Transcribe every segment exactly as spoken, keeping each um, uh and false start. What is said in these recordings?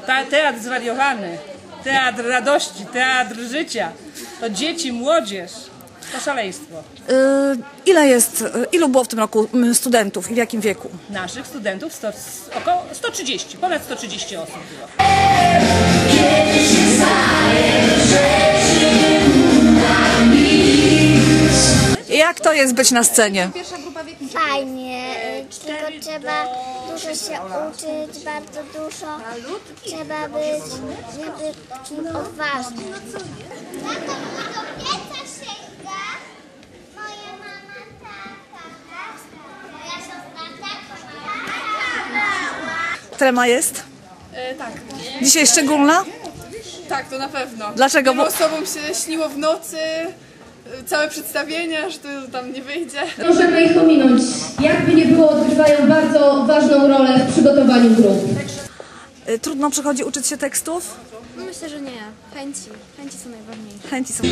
ta, teatr zwariowany, teatr radości, teatr życia. To dzieci, młodzież, to szaleństwo. Yy, ile jest, ilu było w tym roku studentów i w jakim wieku? Naszych studentów sto, około sto trzydzieści, ponad sto trzydzieści osób było. Jak to jest być na scenie? Fajnie, tylko trzeba dużo się uczyć, bardzo dużo. Trzeba być takim odważnym. Trema jest? E, tak, Dzisiaj szczególna? tak, to na pewno. Dlaczego? Wielu Bo... osobom się śniło w nocy, e, całe przedstawienia, że to tam nie wyjdzie. Możemy ich ominąć. Jakby nie było, odgrywają bardzo ważną rolę w przygotowaniu grup. Yy, trudno przychodzi uczyć się tekstów? No myślę, że nie. Chęci. Chęci są najważniejsze. Chęci są.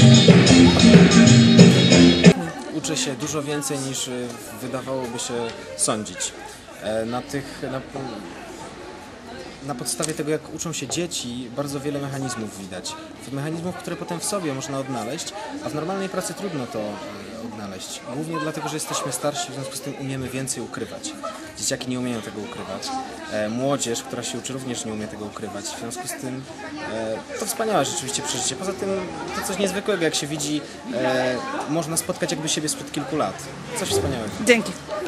Uczę się dużo więcej niż y, wydawałoby się sądzić. E, Na tych, na, na podstawie tego, jak uczą się dzieci, bardzo wiele mechanizmów widać. Mechanizmów, które potem w sobie można odnaleźć, a w normalnej pracy trudno to e, odnaleźć. Głównie dlatego, że jesteśmy starsi, w związku z tym umiemy więcej ukrywać. Dzieciaki nie umieją tego ukrywać. E, młodzież, która się uczy, również nie umie tego ukrywać. W związku z tym e, to wspaniałe rzeczywiście przeżycie. Poza tym to coś niezwykłego, jak się widzi, e, można spotkać jakby siebie sprzed kilku lat. Coś wspaniałego. Dzięki.